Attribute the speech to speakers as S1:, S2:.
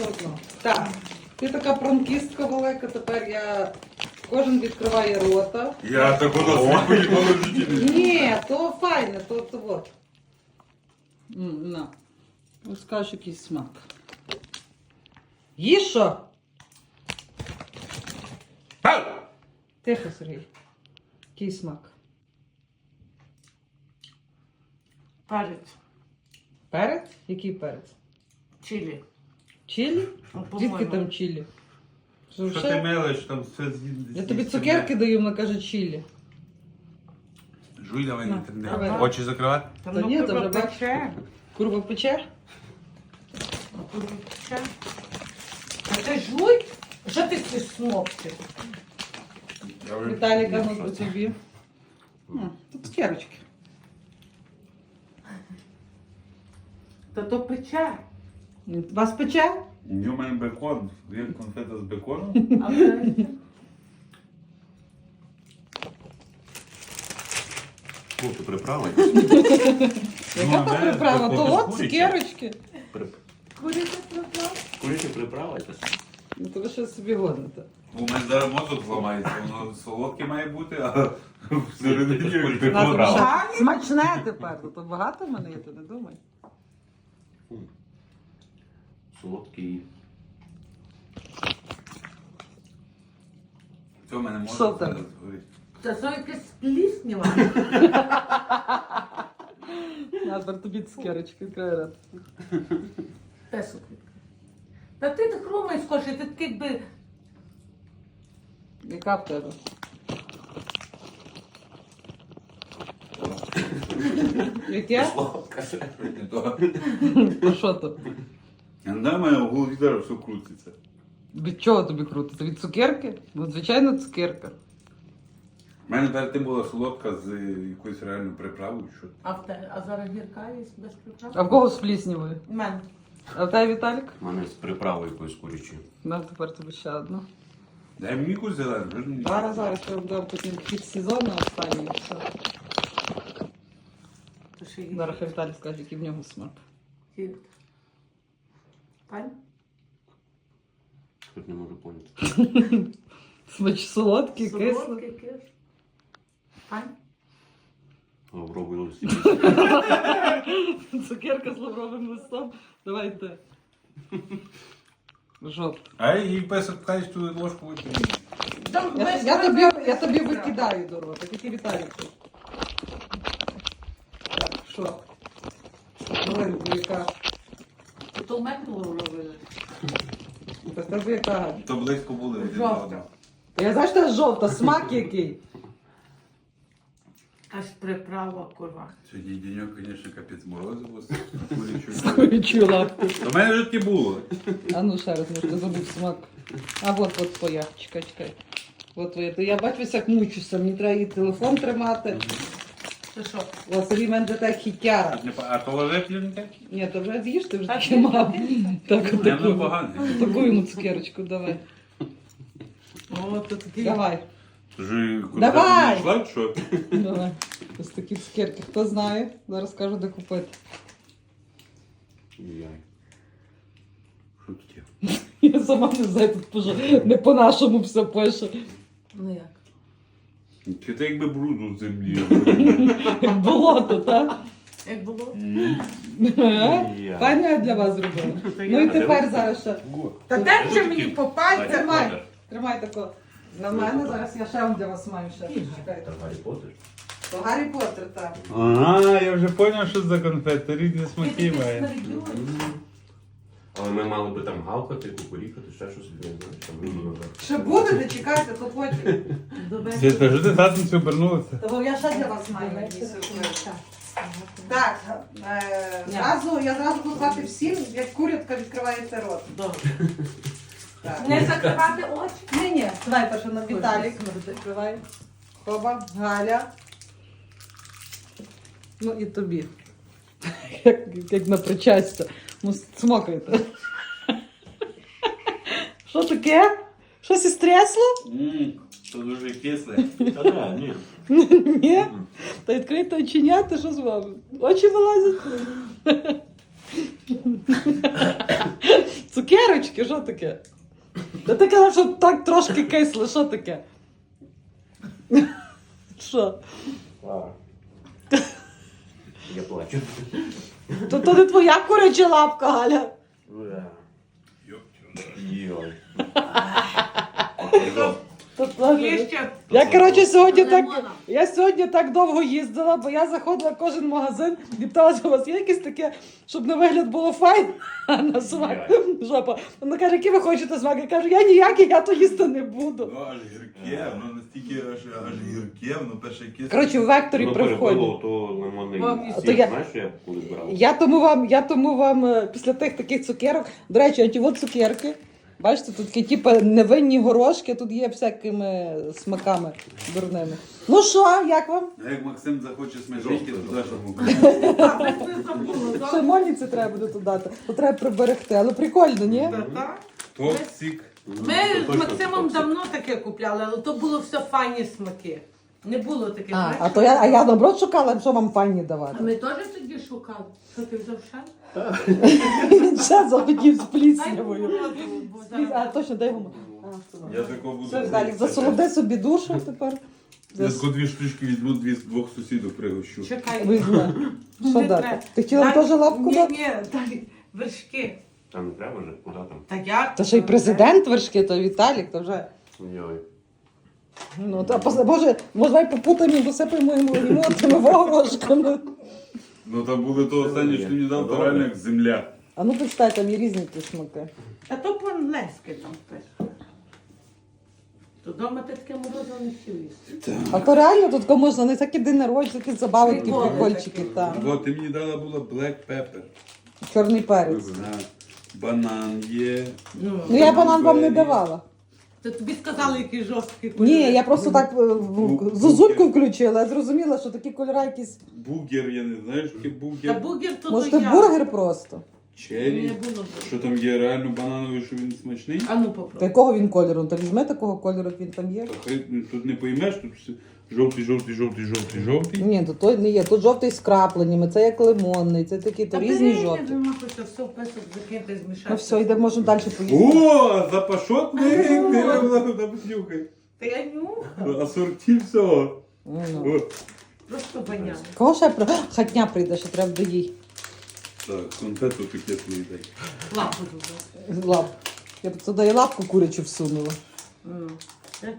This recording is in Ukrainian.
S1: одно. Так, ти така пранкістка велика, тепер кожен відкриває рота.
S2: Я так воно свою ніколи в житті не.
S1: Ні, то файне, то от. На. Ось скажеш, якийсь смак. Їж що? Тихо, Сергій. Який смак?
S3: Перець.
S1: Перець? Який перець?
S3: Чилі.
S1: Чилі?
S3: Ну,
S1: Звідки
S3: по-моєму.
S1: там чилі?
S2: Що ти мелиш, там все з'їдеш.
S1: Я тобі цукерки даю, вона каже чилі.
S2: Жуй, давай
S1: На,
S2: не тренди.
S1: давай.
S2: Очі закривати?
S3: Там
S1: Та ні,
S3: ну,
S1: то вже бачиш.
S3: пече.
S1: Курва пече?
S3: Пече. А ти жуй? Що ти ці смокти?
S1: Віталіка, ну по тобі. Тут цукерочки.
S3: Та то пече.
S1: Вас пече?
S2: У мене бекон, є конфета з беконом.
S3: А це?
S4: Курку приправи.
S1: Яка
S2: а
S1: там
S2: де
S1: приправа?
S2: бекон?
S1: То от
S4: Курячі.
S1: цукерочки.
S3: Куриця приправ?
S4: Куряче приправитесь.
S1: Ну то ви що собі годните.
S2: У мене зараз мозок зламається, воно солодке має бути, а всередині
S4: Куряче
S2: бекон.
S4: приправа.
S1: Смачне тепер, то багато в мене є, ти не думай.
S4: Солодкий.
S2: Це в мене
S1: Що
S2: мозок
S1: там?
S2: зараз горить.
S3: Це що якесь пліснява?
S1: На, тепер тобі цукерочки, відкривай рот.
S3: Песок. Та ти так хромай скорше, ти такий би...
S1: Яка в тебе? Яке?
S4: Солодка.
S2: Не то.
S1: То що то?
S2: Я не знаю, в мене в голові зараз все крутиться.
S1: Від чого тобі крутиться? Від цукерки? Ну, звичайно, цукерка.
S2: У мене перед тим була солодка з якоюсь реальною приправою. Що...
S3: А зараз гірка є без приправ?
S1: А в кого з пліснявою?
S3: У мене.
S1: А в тебе, Віталік?
S4: У мене з приправою якоюсь курячою.
S1: На, тепер тобі ще одну.
S2: Дай мені якусь зелену, вже ж мені.
S1: Зараз я вам дам потім хід сезону останній. Все.
S3: То ще є.
S1: Зараз хай Віталій скаже, який в нього смак.
S3: Пань?
S4: Хоч не можу поняти.
S1: Смач солодкий, кислий.
S3: Солодкий, кислий. Пань?
S4: Лавровий листик.
S1: Цукерка з лавровим листом. Давайте. Жовт.
S2: А їй песок пхаєш ту ложку витягнути.
S3: Там
S1: Я тобі викидаю до рота, тільки Віталік. тут. Так, що? Маленька яка.
S3: То метнуло робили.
S1: Та тебе яка.
S2: То близько були. один до
S3: Жовта.
S2: одного.
S1: Я знаю, що це жовта, смак який.
S3: Аж приправа, курва.
S2: Сьогодні денек, звісно, капець морозиво з курячою.
S1: Курячу лапку.
S2: До мене вже таки було.
S1: А ну ще раз, може, забув смак. А от твоя. Чекай. От твоя. То я бачу, як мучуся. Мені треба і телефон тримати.
S3: Це що?
S1: У Сергій мене така хітяра.
S2: А то ложить не
S1: Ні, то вже з'їж, ти вже
S3: Так,
S1: таки мав. Так,
S2: Я
S1: таку.
S2: не поганий.
S1: Таку йому цукерочку давай.
S3: О, то такий.
S1: Давай.
S2: Вже
S1: Давай!
S2: йшла, що?
S1: Давай. Ось такі цукерки. Хто знає, зараз скажу, де купити.
S4: Яй.
S2: Що тут є?
S1: Я сама не знаю, тут пише, не по-нашому все пише.
S3: Ну як?
S2: Чи це якби бруду з землі?
S1: Як болото, так?
S3: Як було?
S1: Паня для вас зробила. Ну і тепер зараз ще.
S3: Та дай же мені по пальцям.
S1: Тримай. Тримай тако. На мене зараз я ще вам для вас маю ще. Чекайте.
S4: Гаррі Поттер.
S1: То Гаррі Поттер, так.
S2: Ага, я вже зрозумів, що за конфети. Різні смаки має.
S4: Але ми мали би там гавкати, кукурікати, ще щось, я не знаю, там мінімум.
S1: Ще будете, чекайте, то потім.
S2: Це ж ти татницю обернулася?
S1: Тому я ще для вас маю якийсь сюрприз. Так, я зразу буду казати всім, як курятка відкривається рот.
S3: Добре.
S1: Так.
S3: Не закривати очі.
S1: Ні, давай перше на Віталік. Відкривай. Хоба, Галя. Ну і тобі. Як на причастя. Ну, смокайте. Що таке? Щось із трясло?
S2: Це дуже кисле.
S4: Та да, ні.
S1: Ні? Та відкрийте оченята, що з вами? Очі вилазять? Цукерочки, що таке? Та ти казав, що так трошки кисло, що таке? Що?
S4: Я плачу.
S1: То не твоя куряча лапка, Галя.
S4: Йой.
S3: Є ще
S1: Я, коротше, сьогодні
S3: лимона.
S1: я сьогодні так довго їздила, бо я заходила в кожен магазин і питалася, у вас є якесь таке, щоб на вигляд було файно, а на смак жопа. Вона каже, який ви хочете смак? Я кажу, я ніякий, я то їсти не буду.
S2: Ну, аж гірке, воно настільки аж гірке, воно перше якесь.
S1: Коротше, в векторі
S4: Ну,
S1: приходить.
S4: перепило, то лимонний
S3: То
S4: сік,
S1: я-
S4: знаєш, що я колись брав?
S1: Я тому вам після тих таких цукерок, до речі, а ті от цукерки, бачите, тут такі типу невинні горошки, тут є всякими смаками дурними. Ну що, як вам?
S2: А як Максим захоче смажити, то даш йому.
S1: Ще мольниці треба буде тут дати, то треба приберегти, але прикольно, ні?
S3: Та-та.
S2: Токсик.
S3: Ми з Максимом давно таке купляли, але то було все файні смаки. Не було таких. знаєш,
S1: А я наоборот шукала, що вам файні
S3: А
S1: давати.
S3: ми теж тоді шукали. Що ти взяв ще?
S1: Він ще захотів з
S3: Дай
S1: пліснявою.
S3: морозиво, бо
S1: А,
S3: зараз-
S1: точно, дай йому.
S2: Я такого буду.
S1: Все, далі, засолоди собі душу тепер.
S2: Я тако 2 штучки візьму, двох сусідок пригощу.
S3: Чекай.
S1: Візьме. Що
S3: Не
S1: дати?
S3: треба.
S1: Ти хотіла
S3: Дай-
S1: теж лапку дати?
S3: Ні, дай вершки.
S4: Та не треба вже, куди там?
S3: Та як?
S1: Та ще й президент вершки, то Віталік, то вже.
S4: Йой.
S1: Ну, та, Боже, може, давай попутаємо, досипаємо йому тими вогрошками.
S2: Ну там були то останнє, що ти мені дав, то реально як земля.
S1: А ну, почитай, там є різні ті смаки.
S3: А то по-англійськи там пише. То вдома ти таке морозиво не хотів їсти.
S1: А то реально тут можна не всякі день народження, такі забави, такі
S3: Приколи
S1: прикольчики,
S3: такі.
S1: так.
S2: Бо ти мені дала була black pepper.
S1: Чорний перець.
S2: Ага. Банан є.
S1: Ну, я банан вам не давала.
S3: То тобі сказали, який жорсткий кольор.
S1: Ні, я просто так зозульку включила, я зрозуміла, що такі кольори якісь.
S2: Бургер, я не знаю, що таке
S3: Та
S2: бургер.
S3: бургер то
S1: Може,
S3: то
S1: це
S3: я.
S1: бургер просто?
S2: Черрі.
S3: Не було.
S2: Що там є реально банановий, що він смачний?
S3: А ну
S1: Та
S3: попробуй.
S1: якого він кольору? Та візьми такого кольору, як він там є.
S2: Та хай, ну, тут не поймеш, тут все жовтий.
S1: Ні, то той не є. Тут жовтий з крапленнями, це як лимонний, це такі, то різні жовті.
S3: Нема хочеться все в песок закинути, змішати.
S1: Ну все, йдемо, можемо далі поїсти.
S2: О, запашотний, ти понюхай.
S3: Та я нюхаю.
S2: Асорті всього.
S1: Ну.
S2: О.
S3: Просто баняна.
S1: Кого ще хатня прийде, що треба до їй
S2: Так, конфету пакетну дай.
S3: Лапу туди.
S1: лап. Я б туди і лапку курячу всунула.